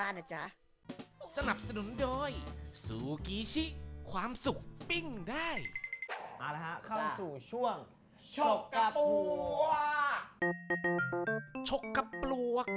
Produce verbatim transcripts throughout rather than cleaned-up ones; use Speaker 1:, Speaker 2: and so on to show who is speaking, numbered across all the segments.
Speaker 1: บ้านนะจ๊ะ
Speaker 2: สนับสนุนโดยซูกิชิความสุขปิ้งได้
Speaker 3: เอาละฮะเข้าสู่ช่วง
Speaker 4: ฉกกระปัว
Speaker 2: ฉกกระปลวก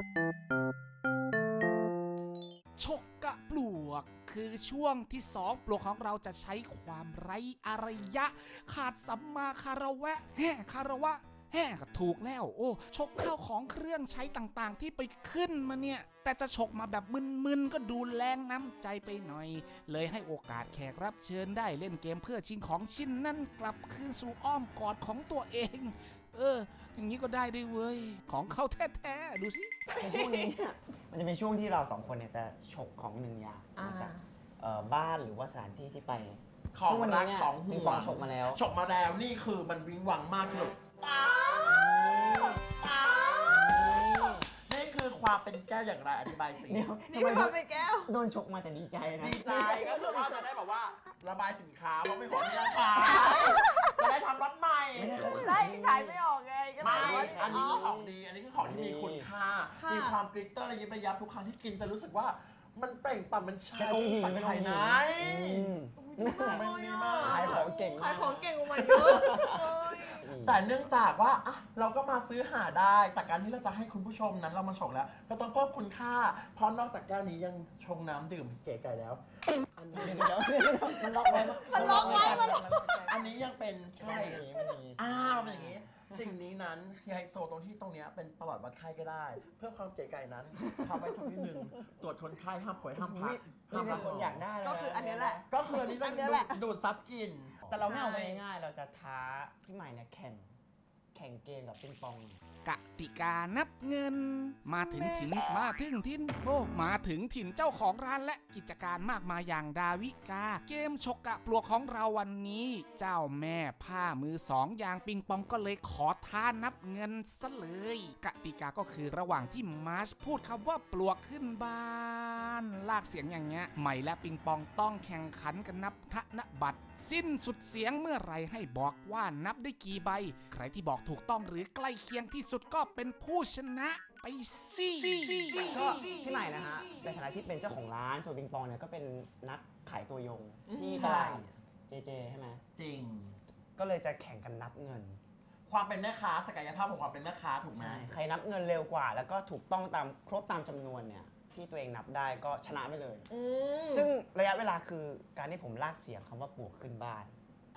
Speaker 2: ฉกกระปลวกคือช่วงที่สองปลวกของเราจะใช้ความไร้อารยะขาดสัมมาคารวะแห่คารวะแห่ก็ถูกแล้วโอ้ฉกข้าวของเครื่องใช้ต่างๆที่ไปขึ้นมาเนี่ยแต่จะฉกมาแบบมึนๆก็ดูแรงน้ำใจไปหน่อยเลยให้โอกาสแขกรับเชิญได้เล่นเกมเพื่อชิงของชิ้นนั้นกลับคืนสู่อ้อมกอดของตัวเองเอออย่างนี้ก็ได้ด้วยเว้ยของเขาแท้ๆดูสิ
Speaker 3: ในช่วงนี้เนี่ยมันจะเป็นช่วงที่เราสองคนเนี่ยจะฉกของหนึ่งอย่างมาจากบ้านหรือว่าสถานที่ที่ไป
Speaker 4: ของรักของห่วง
Speaker 3: ฉกมาแล้ว
Speaker 4: ฉกมาแล้วนี่คือมันวิงวังมากสนุกป้าป้านี่คือความเป็นแก้วอย่างไรอธิบายสิ
Speaker 1: นี่ความเป็นแก้ว
Speaker 3: โดนฉกมาแต่ดีใจนะ
Speaker 4: ดีใจก็คือว่าจะได้แบบว่าระบายสินค้าเพราะไม่ของที่จะขายจะได้ทำรถใหม่
Speaker 1: ใช่ขายไม่ออกไงก็
Speaker 4: ไม่อันนี้คือของดีอันนี้คือของที่มีคุณค่ามีความกริตเตอร์อะไรยิบยับทุกครั้งที่กินจะรู้สึกว่ามันเปล่งปลั่งมันใช่สังไทยนะ
Speaker 3: มันดีมากขายของเก่ง
Speaker 1: ขายของเก่งกว่ามันเยอะ
Speaker 4: แต่เนื่องจากว่าอ่ะเราก็มาซื้อหาได้แต่การที่เราจะให้คุณผู้ชมนั้นเรามาฉกแล้วก็ต้องเพิ่มคุณค่าเพราะนอกจากแก้วนี้ยังชงน้ำดื่มเก๋ไก่แล้วอันนี้เดี๋ยว
Speaker 3: มันล็อกไว้
Speaker 1: มันล็อกไว้มัน
Speaker 4: อันนี้ยังเป็นใช่อ้ามันเป็นอย่างนี้สิ่งนี้นั้นไฮโซตรงที่ตรงนี้เป็นประวัติวัดไข้ก็ได้เพื่อความเก๋ไก่นั้นทำไว้สักนิดนึงตรวจคนไข้ห้ามป่วยห้ามพัก
Speaker 3: ห้ามพักคนอยากได้
Speaker 1: ก็คืออันนี้แหละ
Speaker 4: ก็คืออันนี้จะดูดซับกิน
Speaker 3: แต่เราไม่เอาไปง่ายๆเราจะท้าพี่ใหม่เนี่ยแข่งแข่งเกมกับปิงปอง
Speaker 2: กติกานับเงินมาถึงถิ่นมาถึงถิ่นโอ้มาถึงถิ่นเจ้าของร้านและกิจการมากมายอย่างดาวิกาเกมฉกกะปลวกของเราวันนี้เจ้าแม่ผ้ามือสองอย่างปิงปองก็เลยขอท้านับเงินซะเลยกติกาก็คือระหว่างที่มาร์ชพูดคำว่าปลวกขึ้นบ้านลากเสียงอย่างเงี้ยใหม่และปิงปองต้องแข่งขันกันนับธนบัตรสิ้นสุดเสียงเมื่อไรให้บอกว่านับได้กี่ใบใครที่บอกถูกต้องหรือใกล้เคียงที่สุดก็เป็นผู้ชนะไปสิ
Speaker 3: ก็พี่ใหม่นะฮะในฐานะที่เป็นเจ้าของร้านโชว์ปิงปองเนี่ยก็เป็นนักขายตัวยงที่ตลาดเจเจใช่ไหม
Speaker 4: จริง
Speaker 3: ก็เลยจะแข่งกันนับเงิน
Speaker 4: ความเป็นแม่ค้าศักยภาพของความเป็นแม่ค้าถูกไหม
Speaker 3: ใครนับเงินเร็วกว่าแล้วก็ถูกต้องตามครบตามจำนวนเนี่ยที่ตัวเองนับได้ก็ชนะไปเลยซึ่งระยะเวลาคือการที่ผมลากเสียงคำว่าปลวกขึ้นบ้าน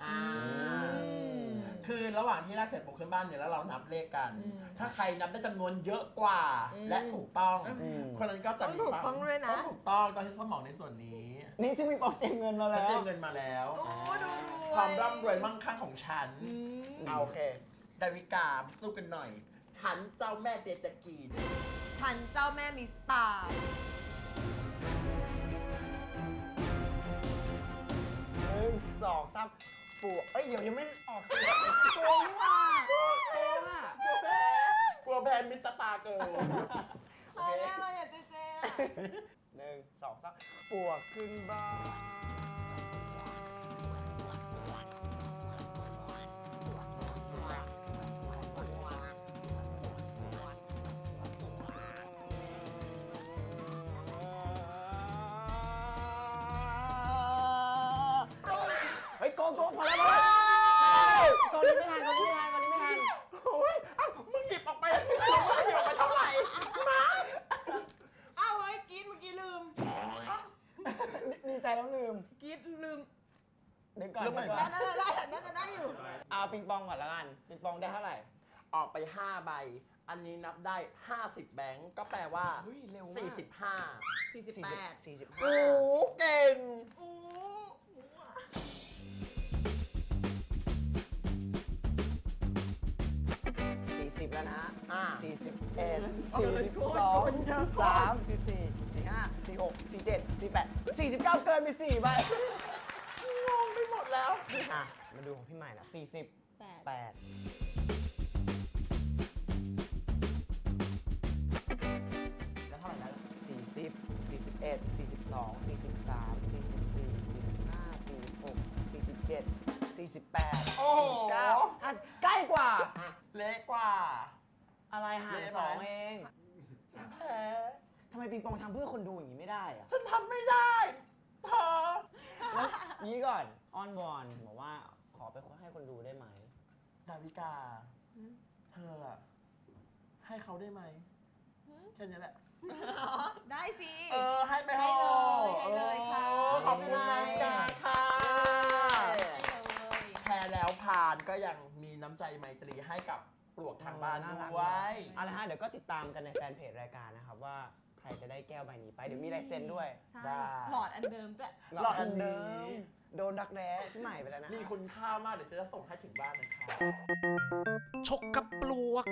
Speaker 4: คือระหว่างที่ลากเสร็จปลวกขึ้นบ้านเนี่ยแล้วเรานับเลขกันถ้าใครนับได้จำนวนเยอะกว่าและถูกต้องคนนั้นก็จะ
Speaker 1: ถูกต้องด้วยนะ
Speaker 4: ถูกต้องตอนที่สมองในส่วนนี้
Speaker 3: นี่ซึ่งมีปอเต็มเงินมาแล้ว
Speaker 4: เต็มเงินมาแล้วความร่ำรวยมั่งคั่งของฉัน
Speaker 3: เอาโอเค
Speaker 4: ดาวิกาสู้กันหน่อยฉันเจ้าแม่เจจกีน
Speaker 1: ฉันเจ้าแม่มิสตาร์
Speaker 3: หนึ่งสองสามปวกเอ้ยเดี๋ยวยังไม่ออกเสียงโกงว่ะโกงอ่ะ
Speaker 4: กลัวแพ้กลัวแพ้มิสตาร์เกิร์ล
Speaker 1: โอเคอะไรอ่ะเจเจ
Speaker 3: หนึ่งสองสามปวกขึ้นบ้านโกงโกงพอแล้วพอแล้วโกงนี้ไม่ทันโกงนี้ไม่ทันโกงนี้ไม่ทัน
Speaker 4: โอ้ยอ้าวมึงหยิบออกไปมึงหยิบออกไปเท่าไหร่มา
Speaker 1: อ้าวเฮ้ยกีดเมื่อกี้ลืม
Speaker 3: ดีใจแล้วลืม
Speaker 1: กีดลืม
Speaker 3: เดี๋ยวก่อน
Speaker 1: ได้ได้ได้น่าจะได้อยู่
Speaker 3: เอาปิงปองก่อนละกันปิงปองได้เท่าไหร่
Speaker 4: ออกไปห้าใบอันนี้นับได้ห้าสิบแบงก์ก็แปลว่าสี่สิบห้า
Speaker 1: สี่สิบแปด
Speaker 3: สี่สิบห้า
Speaker 4: โอ้เก่ง
Speaker 1: โอ้
Speaker 3: สิบแล้วนะสี่สิบเอ็ด สี่สิบสอง สาม สี่สี่ สี่ห้า สี่หก สี่เจ็ด สี่แปด สี่สิบเก้าเกินไปสี่ใบ
Speaker 4: งงไปหมดแล้ว
Speaker 3: อ่ะมาดูของพี่ใหม่นะสี่สิบแปด
Speaker 4: แล้วเท่าไหร่แล้ว
Speaker 3: สี่สิบ สี่สิบเอ็ด สี่สิบสอง สี่สิบสาม สี่สิบสี่ สี่สิบห้า สี่สิบหก สี่สิบเจ็ดสี่สิบแปด
Speaker 4: โอ้โห
Speaker 3: ใกล้กว่า
Speaker 4: เล็กกว่า
Speaker 3: อะไรหารสองเอง
Speaker 4: ฉันแพ้
Speaker 3: ทำไมปิงปองทำเพื่อคนดูอย่างนี้ไม่ได้อะ
Speaker 4: ฉันทำไม่ได้เธอ
Speaker 3: แล้วนี้ก่อนอ้อนวอนบอกว่าขอไปให้คนดูได้ไหม
Speaker 4: ดาวิกา เธออะให้เขาได้ไหมแค่นี้แหละ
Speaker 1: ได้สิ
Speaker 4: เออ ให้ไป
Speaker 1: ให้
Speaker 4: เถ
Speaker 1: เลยให้
Speaker 4: อะ
Speaker 1: เลยค่ะ
Speaker 4: เออขอบคุณ
Speaker 1: ไม่
Speaker 4: นา
Speaker 1: เป็นไร
Speaker 4: วิกาค่ะ
Speaker 1: ได้เลย
Speaker 4: แพ้แล้วผ่านก็ยังมีน้ำใจไมตรีให้กับปลวกทางบ้าน
Speaker 3: น่ารัก
Speaker 4: ด้วย
Speaker 3: เอาละฮะเดี๋ยวก็ติดตามกันในแฟนเพจรายการนะครับว่าใครจะได้แก้วใบนี้ไป เดี๋ยวมีลายเซ็นด้วย
Speaker 1: ใช่
Speaker 4: ได้
Speaker 1: หลอดอันเดิมด้วย
Speaker 4: หลอดอันนี้
Speaker 3: โดนดักแร้ที่ใหม่ไปแล้วนะ
Speaker 4: มีคุณค่ามากเดี๋ยวฉันจะส่งให้ถึงบ้านนะคะ
Speaker 2: ชกกับปลวก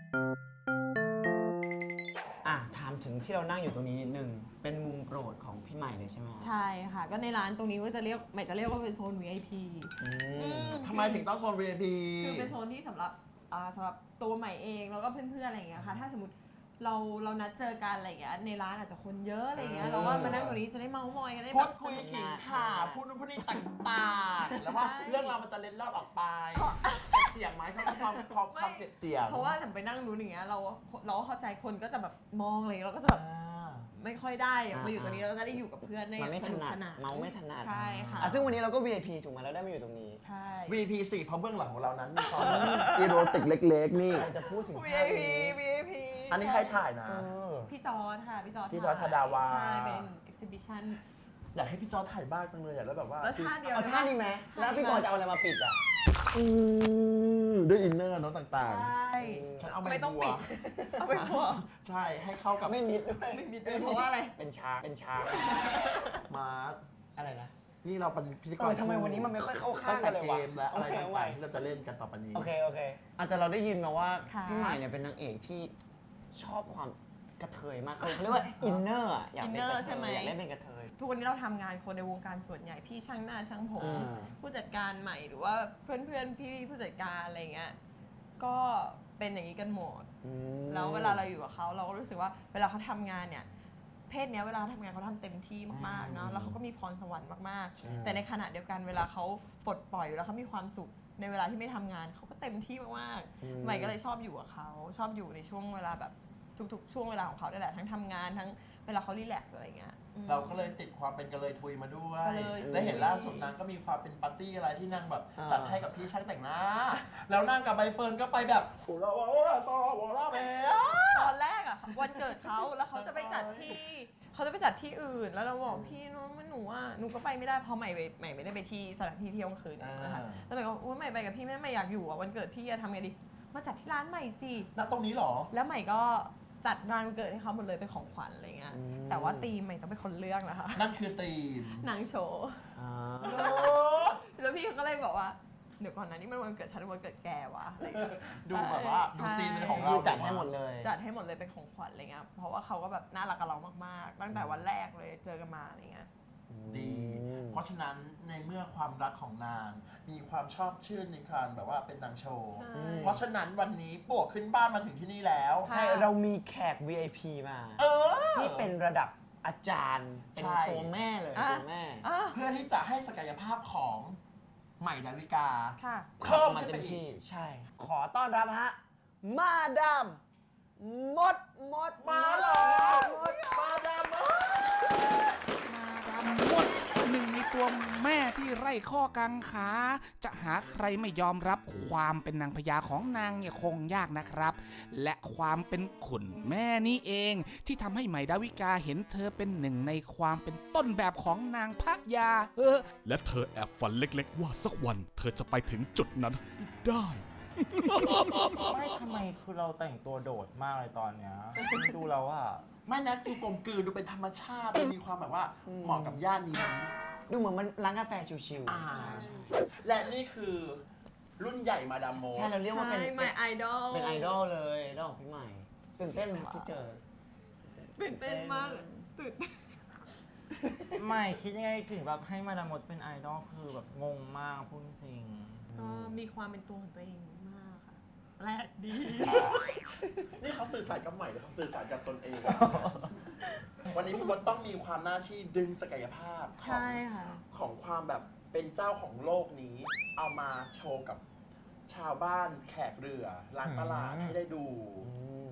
Speaker 3: อ่ะถามถึงที่เรานั่งอยู่ตรงนี้นิดนึงเป็นมุมโปรดของพี่ใหม่เลยใช่ไหม
Speaker 1: ใช่ค่ะ ก็ในร้านตรงนี้ก็จะเรียกใหม่จะเรียกว่าเป็นโซน วี ไอ พี
Speaker 3: อืม
Speaker 4: ทำไมถึงต้องโซน วี ไอ พี
Speaker 1: คือเป็นโซนที่สำหรับอ่าสำหรับตัวใหม่เองแล้วก็เพื่อนๆอะไรอย่างเงี้ยค่ะถ้าสมมติเราเรานัดเจอกันอะไรอย่างเงี้ยในร้านอาจจะคนเยอะอะไรอย่างเงี้ยเราก็มานั่งตรงนี้จะได้เมาท์มอยกันได้
Speaker 4: พู
Speaker 1: แบ
Speaker 4: ด
Speaker 1: บ
Speaker 4: คุยขิงข่าพูดนู่นพูดนี่ต่างๆ แล้วว่า
Speaker 1: ใช่
Speaker 4: เรื่องราวมันจะเล็ดลอดออกไปเสียงไหมเขาความความความเก็บเสียง
Speaker 1: เพราะว่าแต่ไปนั่งนู้นอย่างเงี้ยเราเราก็เข้าใจคนก็จะแบบมองเลยเราก็จะแบบ
Speaker 4: อ่า
Speaker 1: ไม่ค่อยได้อะมาอยู่ตรงนี้เราจะได้อยู่กับเพื่อนได้
Speaker 3: มันไม่
Speaker 1: ส
Speaker 3: ถ
Speaker 1: นุก
Speaker 3: นัด
Speaker 1: สนาน
Speaker 3: เมาไม่ถนัด
Speaker 1: ใช่ค่ะ
Speaker 3: อ่ะซึ่งวันนี้เราก็ วี ไอ พี ถูกไหมเราได้มาอยู่ตรงนี้
Speaker 1: ใช่
Speaker 4: วี พี สี่เพราะเบื้องหลังของเรานั้นมีความอีโรติกเล็กๆ นี่
Speaker 3: เราจะพูดถึง
Speaker 1: วี
Speaker 3: ภา
Speaker 1: ไอ
Speaker 3: พ
Speaker 1: พี
Speaker 3: นี้
Speaker 1: วีไอพี
Speaker 4: อันนี้ใครถ่ายนะ
Speaker 3: เออ
Speaker 1: พี่จอร์ดค่ะพี่จอร์ด
Speaker 4: พี่จอร์จธดาวา
Speaker 1: ใช่เป็น exhibition
Speaker 4: อยากให้พี่จอถ่ายบ้างจังเลยอยากแล้วแบบว่า
Speaker 1: แล้วท่าเดียว
Speaker 3: เอาท่านี้ไหมแล้วพี่ปอจะเอาอะไรมาปิดอ่ะ
Speaker 4: อืมด้วยอินเนอร์เนาะต่าง
Speaker 1: ใช่
Speaker 4: ๆ ฉันเอาใบ
Speaker 1: ไม่ต้อง
Speaker 4: บัว
Speaker 1: ปิดเอาไปพวก
Speaker 4: ใช่ให้เข้ากับ
Speaker 3: ไม่มิดด้วย
Speaker 1: ไม่มีด้วยเพราะว่าอะไร
Speaker 3: เป็นช้างเป็นช้าง
Speaker 4: มาร์ท
Speaker 3: อะไรนะ
Speaker 4: นี่เราเป็นพิธีก
Speaker 3: เอ
Speaker 4: ร
Speaker 3: อทำไมวันนี้มันไม่ค่อยเข้าข้างกันเลยวะ
Speaker 4: ตั้งแต่เกมและอะไร
Speaker 3: โอเค
Speaker 4: ต่าง
Speaker 3: เอาไว้
Speaker 4: ๆที่เราจะเล่นกันต่อไปนี้
Speaker 3: โอเคโอเคอาจจะแต่เราได้ยินมาว่า
Speaker 1: ค่ะ
Speaker 3: พี่ใหม่เนี่ยเป็นนางเอกที่ชอบความกระเทยมากเขาเรียกว่าอินเนอร์อะอยากเป็นกระ
Speaker 1: inner
Speaker 3: เท
Speaker 1: ใช่ไหม
Speaker 3: ยอยากเล่นเป็นกระเทย
Speaker 1: ทุกวันนี้เราทำงานคนในวงการส่วนใหญ่พี่ช่างหน้าช่างผม
Speaker 3: อ่า
Speaker 1: ผู้จัดการใหม่หรือว่าเพื่อนเพื่อนๆพี่ผู้จัดการอะไรเงี้ยก็เป็นอย่างนี้กันหมด
Speaker 3: อืม
Speaker 1: แล้วเวลาเราอยู่กับเขาเราก็รู้สึกว่าเวลาเขาทำงานเนี่ยเพศเนี้ยเวลาเขาทำงานเขาทำเต็มที่มากๆเนาะแล้วเขาก็มีพรสวรรค์มาก
Speaker 3: อืม
Speaker 1: ๆ แต่ในขณะเดียวกันเวลาเขาปลดปล่อยเวลาเขามีความสุขในเวลาที่ไม่ทำงานเขาก็เต็มที่มากๆใหม่ก็เลยชอบอยู่กับเขาชอบอยู่ในช่วงเวลาแบบทุกๆ ช่วงเวลาของเขาได้แหละทั้งทำงานทั้งเวลาเขารีแลกซ์อะไรเงี้ยอืม
Speaker 4: เราก็เลยติดความเป็นกระเลยทุยมาด้วย
Speaker 1: กระเลย
Speaker 4: และเห็นล่าสุดนางก็มีความเป็นปาร์ตี้อะไรที่นางแบบ
Speaker 3: อ่า
Speaker 4: จัดให้กับพี่ช่างแต่งหน้า แล้วนางกับใบเฟิร์นก็ไปแบบโอ้โหโอ้โหโอ้โหโอ้โห
Speaker 1: ตอนแรกอะวันเกิดเขาแล้วเขาจะไปจัดที่เขาจะไปจัดที่อื่นแล้วเราบอกพี่น้องมันหนูอ่ะหนูก็ไปไม่ได้เพราะใหม่ไปใหม่ไม่ได้ไปที่สถานที่เที่ยวกลางคืนนะคะแล้วใหม่ก็อุ้ยใหม่ไปกับพี่ไม่ได้ใหม่อยากอยู่อ่ะวันเกิดพี่จะทำไงดีมาจัดที่ร้านใหม่สิ
Speaker 4: ณตรงนี้เหรอ
Speaker 1: แล้วใหม่ก็จัดงานวันเกิดให้เขาหมดเลยเป็นของขวัญอะไรเงี้ยแต่ว่าธีมใหม่ต้องเป็นคนเลือกนะคะ
Speaker 4: นั่นคือธีม
Speaker 1: นางโชว์
Speaker 3: อ่า
Speaker 1: แล้วพี่เขาก็เลยบอกว่าเดี๋ยวก่อนนะนี่มันวันเกิดฉันหรือวันเกิดแกวะอะไรเงี้ย
Speaker 4: ดูแบบว่าดู
Speaker 1: ใช่
Speaker 4: ซีนเป็นของ
Speaker 3: คื
Speaker 4: เรา
Speaker 3: อจัดให้หมดเลย
Speaker 1: จัดให้หมดเลยเป็นของขวัญอะไรเงี้ย เพราะว่าเขาก็แบบน่ารักกับเรามากๆ ตั้งแต่วันแรกเลยเจอกันมาอะไรเงี้ย
Speaker 4: ดี เพราะฉะนั้นในเมื่อความรักของนาง มีความชอบชื่นในการแบบว่าเป็นนางโชว์
Speaker 1: ใช่
Speaker 4: เพราะฉะนั้นวันนี้ปวกขึ้นบ้านมาถึงที่นี่แล้ว
Speaker 3: ใช่เรามีแขก วี ไอ พี มา
Speaker 4: เออ
Speaker 3: ที่เป็นระดับอาจารย์ เป็น
Speaker 4: ใช่
Speaker 3: ตัวแม่เลย
Speaker 1: อ่ะ
Speaker 3: ตัวแม่
Speaker 1: อ่ะ
Speaker 4: เพื่อที่จะให้ศักยภาพของใหม่ดาวิกา
Speaker 1: ค่ะ
Speaker 4: เพิ่ม
Speaker 3: มา
Speaker 4: ขึ้น
Speaker 3: เต็
Speaker 4: ไป
Speaker 3: ม
Speaker 4: อี
Speaker 3: ที่
Speaker 4: ก
Speaker 3: ใช่ ขอต้อนรับฮะ มาดามมดมด
Speaker 4: มาเหรอ
Speaker 3: มด
Speaker 4: มาดามเอ้ย
Speaker 2: มาดามมดหนึ่งในตัวแม่ที่ไร่ข้อกังขา จะหาใครไม่ยอมรับความเป็นนางพญาของนางเนี่ยคงยากนะครับ และความเป็นขุนแม่นี่เอง ที่ทำให้ใหม่ดาวิกาเห็นเธอเป็นหนึ่งในความเป็นต้นแบบของนางพักยาเออและเธอแอบฝันเล็กๆ ว่าสักวันเธอจะไปถึงจุดนั้นให้ได้
Speaker 5: ไม่ทำไมคือเราแต่งตัวโดดมากเลยตอนเนี้ยดูแล้วอะ
Speaker 4: ไม่นะดูกลมกลืนดูเป็นธรรมชาติดูมีความแบบว่าเหมาะกับย่านนี้
Speaker 3: ดูเหมือนมันร้านกาแฟชิว
Speaker 4: อ่าและนี่คือรุ่นใหญ่มาดามโม
Speaker 3: ๆ ใช่ เราเรียกว่าเป็น
Speaker 1: ใช่ my idol
Speaker 3: เป็นไอดอลเลยไอดอลของพี่ใหม่ ตื่นเต้นไหมครับที่เจอ
Speaker 1: ตื่นเต้นมากเลยตื่นเต้น
Speaker 5: ไม่คิดยังไงถึงแบบให้มาดามดเป็นไอดอลคือแบบงงมากพูดจริง
Speaker 1: ก็มีความเป็นตัวของตัวเองมากค่ะแรกดี
Speaker 4: นี่เขาสื่อสารกับใหม่หรือเขาสื่อสารกับตนเอง วันนี้พี่มดต้องมีความหน้าที่ดึงศักยภาพของ
Speaker 1: ใช่ค่ะ
Speaker 4: ของความแบบเป็นเจ้าของโลกนี้ เอามาโชว์กับชาวบ้านแขกเรือร้านตลาดให้ได้ดู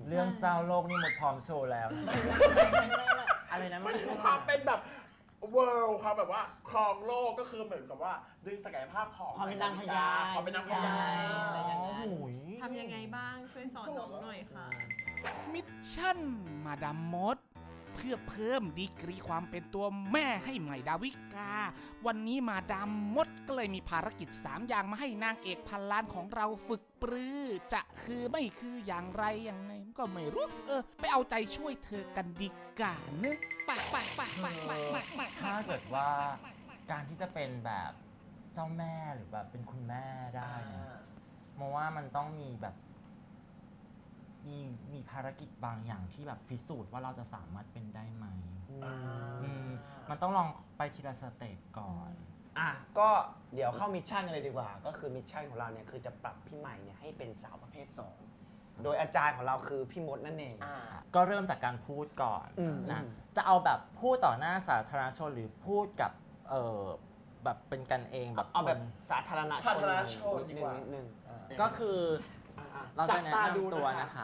Speaker 5: เรื่องเจ้าโลกนี่หมดพร้อมโชว์แล้วอะไรนะ
Speaker 4: มันคือความเป็นแบบ world ความแบบว่าครองโลกก็คือเหมือนกับว่าดึงศักยภาพของ
Speaker 3: ความเป็นนางพญา
Speaker 4: ความเป็นนางพญา
Speaker 3: อะไรอย่างนั้น
Speaker 5: โอ้ย
Speaker 1: ทำยังไงบ้างช่วยสอนน้องหน่อยค่ะ
Speaker 2: มิชชั่นมาดามมด เพื่อเพิ่มดีกรีความเป็นตัวแม่ให้ใหม่ดาวิกา วันนี้มาดามมดก็เลยมีภารกิจสามอย่างมาให้นางเอกพันล้านของเราฝึกปรือ จะคือไม่คืออย่างไรอย่างไรก็ไม่รู้ เออ ไปเอาใจช่วยเธอกันดีกว่าเนอะไปไปไปไปไปไปไป
Speaker 5: ถ้าเกิดว่าการที่จะเป็นแบบเจ้าแม่หรือแบบเป็นคุณแม่ได้เนี่ยมองว่ามันต้องมีแบบมีมีภารกิจบางอย่างที่แบบพิสูจน์ว่าเราจะสามารถเป็นได้ไหมอืมมันต้องลองไปทีละสเต็ปก่อน
Speaker 3: อ่ะก็เดี๋ยวเข้ามิชชั่นกันเลยดีกว่า ก็คือมิชชั่นของเราเนี่ยคือจะปรับพี่ใหม่เนี่ยให้เป็นสาวประเภทสองโดยอาจารย์ของเราคือพี่มดนั่นเอง
Speaker 4: อ่า
Speaker 5: ก็เริ่มจากการพูดก่อน
Speaker 3: อืม
Speaker 5: นะ
Speaker 3: อืม
Speaker 5: จะเอาแบบพูดต่อหน้าสาธารณชนหรือพูดกับเออแบบเป็นกันเองแบบ
Speaker 3: เอาแบบ
Speaker 5: คน
Speaker 3: สาธารณชน
Speaker 4: สาธารณชน
Speaker 3: นิ
Speaker 4: ดี
Speaker 3: ด
Speaker 4: กว่า
Speaker 3: นึงนิดนึง
Speaker 5: ก็คือ
Speaker 4: อ่าๆ
Speaker 5: เราจะแนะ
Speaker 4: จับตาดู
Speaker 5: นำตัว
Speaker 4: นะคะ
Speaker 5: นะคะ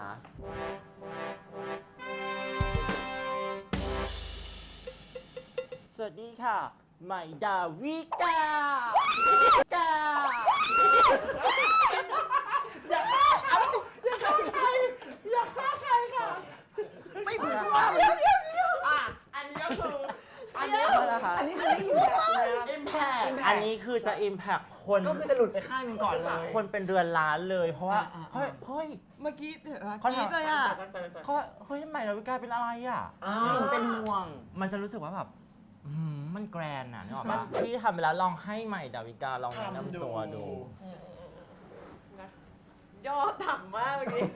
Speaker 5: สวัสดีค่ะ ใหม่ดาวิกา กา
Speaker 4: อย่าฆ่าใครอย่าฆ่าใครอย่าฆ่าใครค่ะ ไม่เหมือนว่าเดี๋ยวเดี๋ยวเดี๋ยวอ่ะอันนี้ก็คืออันนี้
Speaker 5: นะคะ
Speaker 3: อันนี้คือไม่อิมแพคนะ
Speaker 4: อิมแพค
Speaker 5: อันนี้คือจะ impact คน
Speaker 3: ก็คือจะหลุดไปข้างหนึงก่อนเลย
Speaker 5: คนเป็นเรือนล้านเลย เพราะว่า
Speaker 3: อ่าๆ
Speaker 5: เฮ้ยเฮ้ย
Speaker 1: เมื่อกี้เถอะ
Speaker 5: เขา
Speaker 1: คิด
Speaker 5: ทำ
Speaker 1: เลยอ่ะ
Speaker 4: ตั้งใจตั้งใจ
Speaker 5: เขาเฮ้ยใหม่ดาวิกาเป็นอะไรอ่ะ
Speaker 4: อ่า
Speaker 3: เป็นห่วง
Speaker 5: มันจะรู้สึกว่าแบบอื้อหือมันแกรนน่ะนึกออกปะพี่ทำไปแล้วลองให้ใหม่ดาวิกาลองแนะนำตัวดู
Speaker 1: ย่อต่ำมากเมื่อกี้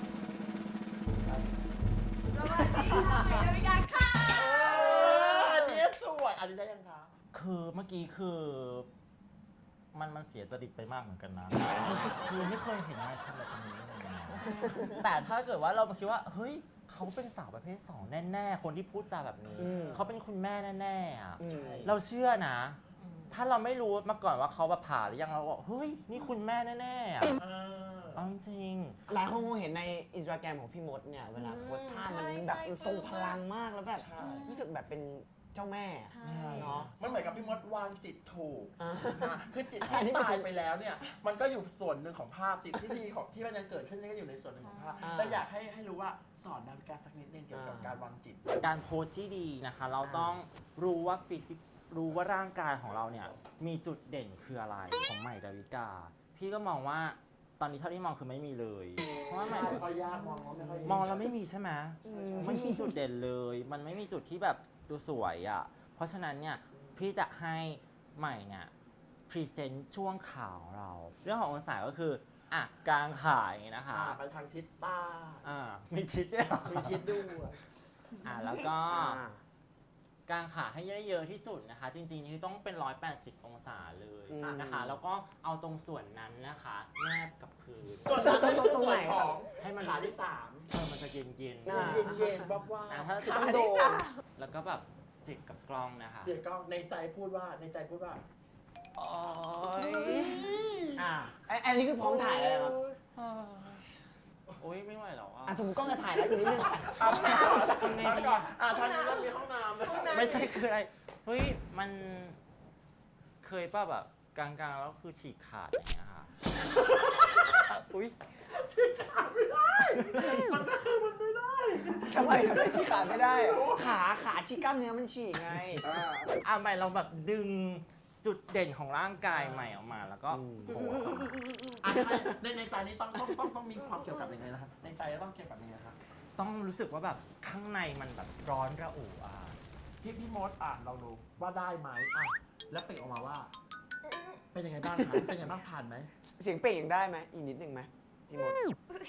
Speaker 1: สวัสดีค่ะใหม่ดาวิกาค่ะ
Speaker 4: เอออันนี้สวยอันนี้ได้ยังคะ
Speaker 5: คือเมื่อกี้คือมันมันเสียจริตไปมากเหมือนกันนะ คือไม่เคยเห็นนายทำแบบนี้เลยนะแต่ถ้าเกิดว่าเรามาคิดว่าเฮ้ยเขาเป็นสาวประเภทสองแน่ๆ คนที่พูดจาแบบนี้
Speaker 3: อืม
Speaker 5: เขาเป็นคุณแม่แน่ๆอะ
Speaker 3: อืม
Speaker 5: เราเชื่อนะ ถ้าเราไม่รู้มาก่อนว่าเขาแบบผ่าหรือยังเราบอกเฮ้ยนี่คุณแม่แน่ๆอะ
Speaker 4: เออ
Speaker 5: เอาจริง
Speaker 3: หลายคนคงเห็นในอินสตาแกรมของพี่มดเนี่ยเวลาโพสต์ภาพมันแบบมันทรงพลังมากแล้วแบบ
Speaker 4: ใช่
Speaker 3: รู้สึกแบบเป็นเจ้าแม่
Speaker 1: ใช่
Speaker 3: เนาะ
Speaker 4: มันเหมือนกับพี่มดวางจิตถูก
Speaker 3: อ่า
Speaker 4: อ่ะคือจิต
Speaker 3: อันนี้
Speaker 4: ที่
Speaker 3: มัน
Speaker 4: ตา
Speaker 3: จะ
Speaker 4: ยไปแล้วเนี่ย มันก็อยู่ส่วนหนึ่งของภาพจิตที่ดีของที่มันยังเกิดขึ้นนี่ก็อยู่ในส่วนหนึ่งของภาพ
Speaker 3: อ่า
Speaker 4: แต่อยากให้ให้รู้ว่าสอนดาวิกาสักนิดนึงเกี่ยวกับ
Speaker 3: อ่า
Speaker 4: การวางจิต
Speaker 5: การโพสต์ที่ดีนะคะ เราต้องรู้ว่าฟิสิกรู้ว่าร่างกายของเราเนี่ยมีจุดเด่นคืออะไรของใหม่ดาวิกา พี่ก็มองว่าตอนนี้เท่าที่มองคือไม่มีเลย เพราะว่าใหม่
Speaker 4: ไม่ค่อยยากมองว่าไม่ค่อยยาก
Speaker 5: มองแล้วไม่มีใช่ไหมไม่มีจุดเด่นเลย มันไม่มีจุดที่แบบดูสวยอ่ะ เพราะฉะนั้นเนี่ยพี่จะให้ใหม่เนี่ยพรีเซนต์ช่วงข่าวเรา เรื่องขององศาก็คืออ่ะกลางขาอย่างนี้นะคะ
Speaker 4: อ่าไปทางทิศใต้
Speaker 5: อ่ามีทิศด้วยเหรอ
Speaker 4: มีทิศด้วย
Speaker 5: อ่ะแล้วก็
Speaker 3: อ่า
Speaker 5: กางขาให้เยอะๆที่สุดนะคะ จริงๆคือต้องเป็นหนึ่งร้อยแปดสิบองศาเลย
Speaker 3: อืม
Speaker 5: นะคะ แล้วก็เอาตรงส่วนนั้นนะคะแนบกับพื้น
Speaker 4: ส่วนนั้นเป็นส่วนของ
Speaker 5: ให้มัน
Speaker 4: ขาที่สาม
Speaker 5: เออมันจะเย็นๆ
Speaker 3: อ่า
Speaker 4: เย็นๆวับว่า
Speaker 5: อ่ะถ้า
Speaker 3: คือต้องโดน
Speaker 5: แล้วก็แบบจิกกับกล้องนะคะ
Speaker 4: เสียกล้องในใจพูดว่าในใจพูดว่า
Speaker 5: โอ๊ย
Speaker 3: อ่าไอ้อันนี้คือพร้อมถ่ายแล้วครับ
Speaker 5: โอ๊ยไม่ไหวแล้วอ่ะ
Speaker 3: อ่ะสมมติกล้องจะถ่ายแล้วอยู่นิดนึง
Speaker 4: เอาไปก่อนเอาไปก่อนอ่าทางนี้เรามีห้องน้ำนะ
Speaker 5: ไม่ใช่คืออะไร เฮ้ยมันเคยป่ะแบบกลางๆแล้วคือฉีกขาดอย่างเงี้ยค่ะ
Speaker 3: อุ้ย
Speaker 4: ฉีกขาดไม่ได้ มันก็คือมันไม่ได้
Speaker 3: ทำไมทำไมฉีกขาดไม่ได้ ขาขาฉีกกล้ามเนื้อมันฉีกไง
Speaker 4: อ่า
Speaker 5: อ่ะใหม่เราแบบดึงจุดเด่นของร่างกายใหม่ออกมาแล้วก็
Speaker 3: อืม
Speaker 5: โผล่เข้ามา
Speaker 4: อ่ะใช่ในในใจนี้ต้องต้องต้องต้องมีความเกี่ยวกับยังไงนะครับ ในใจต้องเกี่ยวกับยังไงครับ
Speaker 5: ต้องรู้สึกว่าแบบข้างในมันแบบร้อนระอุอ่ะ
Speaker 4: พี่พี่มดอ่านเราดูว่าได้ไหมอ่ะแล้วเปล่งออกมาว่า เป็นยังไงบ้างคะเป็นยังไงบ้างผ่านไหม
Speaker 3: เสียงเปล่งยังได้ไหมอีกนิดนึงไหมพี่มด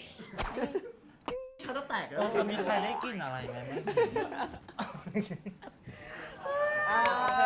Speaker 4: เขาจะแตกเลย
Speaker 5: เออมีใครได้กลินอะไรไหมเมื่อกี้
Speaker 3: อ่า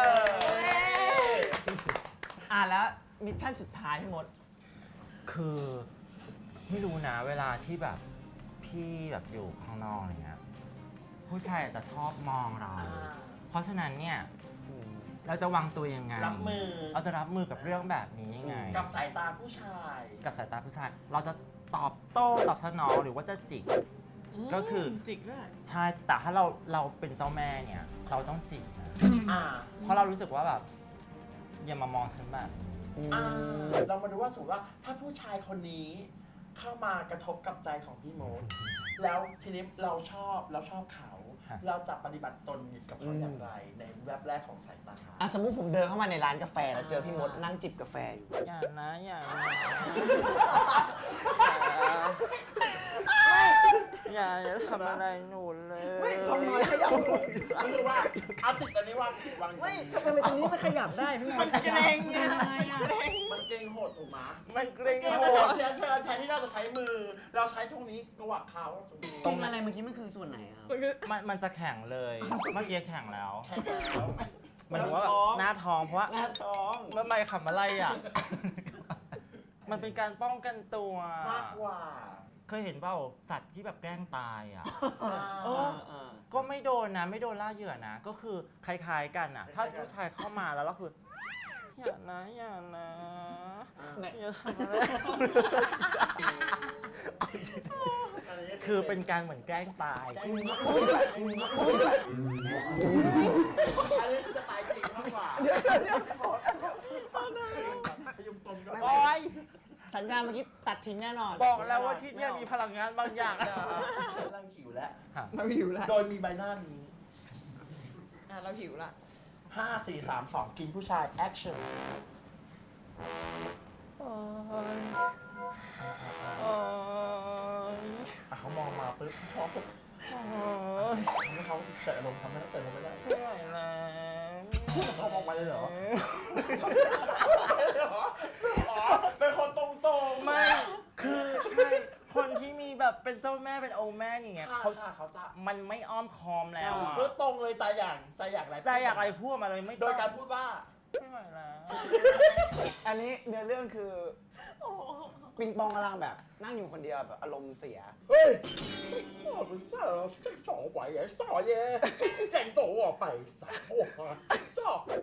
Speaker 3: อ่าแล้วมิชชั่นสุดท้ายพี่มด
Speaker 5: คือไม่รู้นะเวลาที่แบบพี่แบบอยู่ข้างนอกอะไรเงี้ยผู้ชายอาจจะชอบมองเรา เพราะฉะนั้นเนี่ยเราจะวางตัวยังไง
Speaker 4: รับมือ
Speaker 5: เราจะรับมือกับเรื่องแบบนี้ยังไง
Speaker 4: กับสายตาผู้ชาย
Speaker 5: กับสายตาผู้ชาย เราจะตอบโต้ตอบสนองหรือว่าจะจิกก็คือ
Speaker 1: จิกด้วย
Speaker 5: ใช่แต่ถ้าเราเราเป็นเจ้าแม่เนี่ย เราต้องจิกนะ
Speaker 4: อ่า
Speaker 5: เพราะเรารู้สึกว่าแบบอย่ามามองฉันแบบนี้
Speaker 4: อ่าเรามาดูว่าสมมติว่าถ้าผู้ชายคนนี้เข้ามากระทบกับใจของพี่โมดแล้วทีนี้เราชอบเราชอบเขา
Speaker 5: ฮะ
Speaker 4: เราจะปฏิบัติตนกับเขาอย่างไรในแวบแรกของสายตา
Speaker 3: อ่ะสมมุติผมเดินเข้ามาในร้านกาแฟแล้วเจอพี่มดนั่งจิบกาแฟอยู่
Speaker 5: อย่านะอย่านะอย่าอย่าทำอะไรหนูเลย
Speaker 3: ไม่ทำไมขยับ
Speaker 4: ก็คือว่าเอาติดอันนี้วางติดวาง
Speaker 3: ไม่ทำไมเป็นตรงนี้มันขยับได้พี่มด
Speaker 4: มันเกรงยังไงอะมันเกรงโหดถูกไหม
Speaker 5: มันเกรง
Speaker 4: เกรง
Speaker 5: โห
Speaker 4: โหด
Speaker 5: ด
Speaker 4: เชื้อเชิญแทนที่เราจะใช้มือ เราใช้ตรงนี้กวักเขา
Speaker 3: ตรงอะไรเมื่อกี้มันคือส่วนไหนครับ
Speaker 5: มันมันจะแข็งเลย เมื่อกี้แข็งแล้ว
Speaker 4: แค่แล้ว
Speaker 5: มันถึงว่าแบบหน้าท้องเพราะว่า
Speaker 3: หน้าท้อง
Speaker 5: เมื่อไม่ขำอะไรอ่ะ มันเป็นการป้องกันตัว
Speaker 4: มากกว่า
Speaker 5: เคยเห็นเปล่าสัตว์ที่แบบแกล้งตายอ่ะ
Speaker 3: เออเออ
Speaker 5: ก็ไม่โดนนะ ไม่โดนล่าเหยื่อนะ ก็คือคล้ายๆกันอ่ะ ถ้าผู้ชายเข้ามาแล้วก็คือ อย่านะอย่านะอย่าทำอะไรคือเป็นการเหมือนแกล้งตาย
Speaker 4: อันนี้จะตายจริงมากกว่าเดี๋ยวเดี๋ยวพยุงตนก็
Speaker 5: บอย
Speaker 3: สัญญาณเมื่อกี้ตัดทิ้งแน่นอน
Speaker 5: บอกแล้วว่าที่เนี่ยมีพลังงานบางอย่าง
Speaker 4: เราหิวแล้ว
Speaker 1: เราหิวละ
Speaker 4: โดยมีใบหน้านี้
Speaker 1: อ่ะเราหิวละ
Speaker 4: ห้า สี่ สาม สอง กินผู้ชาย แอคชั่นอ่ะเขามองมาปุ๊บเขามองปุ๊บทำให้เขาเกิดอารมณ์ทำให้เขาเกิดอารมณ์ไม่ได้
Speaker 5: ไม่ไหวแล้ว
Speaker 4: เขามองไปเลยเหรออ๋อเป็นคนตรงๆ
Speaker 5: ไม่ คือใช่คนที่มีแบบเป็นเจ้าแม่เป็นโอแม่อย่างเงี้ย
Speaker 4: เขา
Speaker 5: เขา
Speaker 4: เขาจะ
Speaker 5: มันไม่อ้อมค้อมแล้วอะ
Speaker 4: เพื่อตรงเลยใจอย่างใจอยากอะไร
Speaker 5: ใจอยากอะไรพูดมาเลยไม่
Speaker 4: โด
Speaker 5: ต้
Speaker 4: ย
Speaker 5: อง
Speaker 4: การพูดว่า
Speaker 5: ไม่ไหวแล้ว
Speaker 3: อันนี้เนื้อเรื่องคือปิงปองกำลังแบบนั่งอยู่คนเดียวแบบอารมณ์เสีย
Speaker 4: เฮ้ย我不是这种鬼也少爷人到我背上我走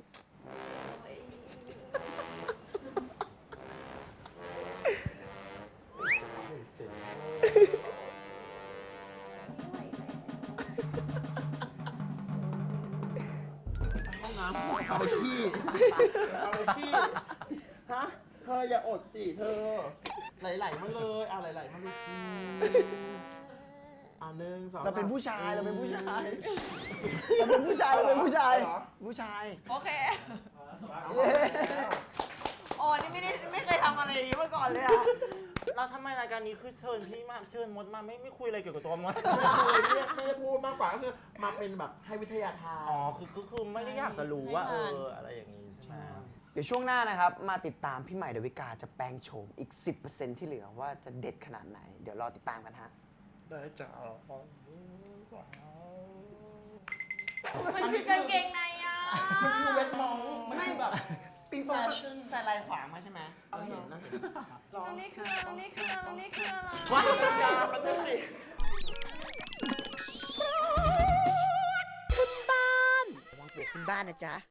Speaker 4: ห้องน้ำเอาไปขี้เอาไปขี้ฮะเธออย่าอดสิเธอไหลๆมาเลยอ่ะไหลๆมาเลยอืมอ่ะหนึ่งสอง
Speaker 3: เราเป็น
Speaker 4: สม
Speaker 3: ผู้ชายเราเป็นผู้ชาย เราเป็นผู้ชายเราเป็นผู้ชาย
Speaker 4: เหรอ
Speaker 3: ผู้ชาย
Speaker 1: โอเค
Speaker 3: เย้
Speaker 1: โอ้นี่ไม่ได้ไม่เคยทำอะไรอย่างนี้มาก่อนเลยอะ
Speaker 5: เราทำไมรายการนี้คือเชิญพี่มาเชิญมดมาไม่ไม่คุยอะไรเกี่ยวกับตัวมด
Speaker 4: ไม่ได้ไม่ได้พูดมากกว่าก็คือมาเป็นแบบให้วิทยาทาน
Speaker 5: อ๋อคือก็คือไม่ได้อยากจะรู้ว่าเอออะไรอย่างนี้ใช่ไหม
Speaker 3: เดี๋ยวช่วงหน้านะครับ มาติดตามพี่ใหม่ดาวิกาจะแปลงโฉมอีก สิบเปอร์เซ็นต์ ที่เหลือว่าจะเด็ดขนาดไหน เดี๋ยวรอติดตามกันฮะ
Speaker 4: ได้จ้า
Speaker 1: มันคือกางเกงในอ่ะ
Speaker 4: มันคือเวทมองมันคือแบบ
Speaker 3: ปิงปองใส่ลายขวางมาใช่ไหม
Speaker 4: เอาเห็นนะเห็นลอง
Speaker 1: อันนี้คืออันนี้คืออันนี้คืออะไร
Speaker 4: ว้ายยามันเป็นสิ
Speaker 3: ระวังปวกขึ้นบ้านนะจ๊ะ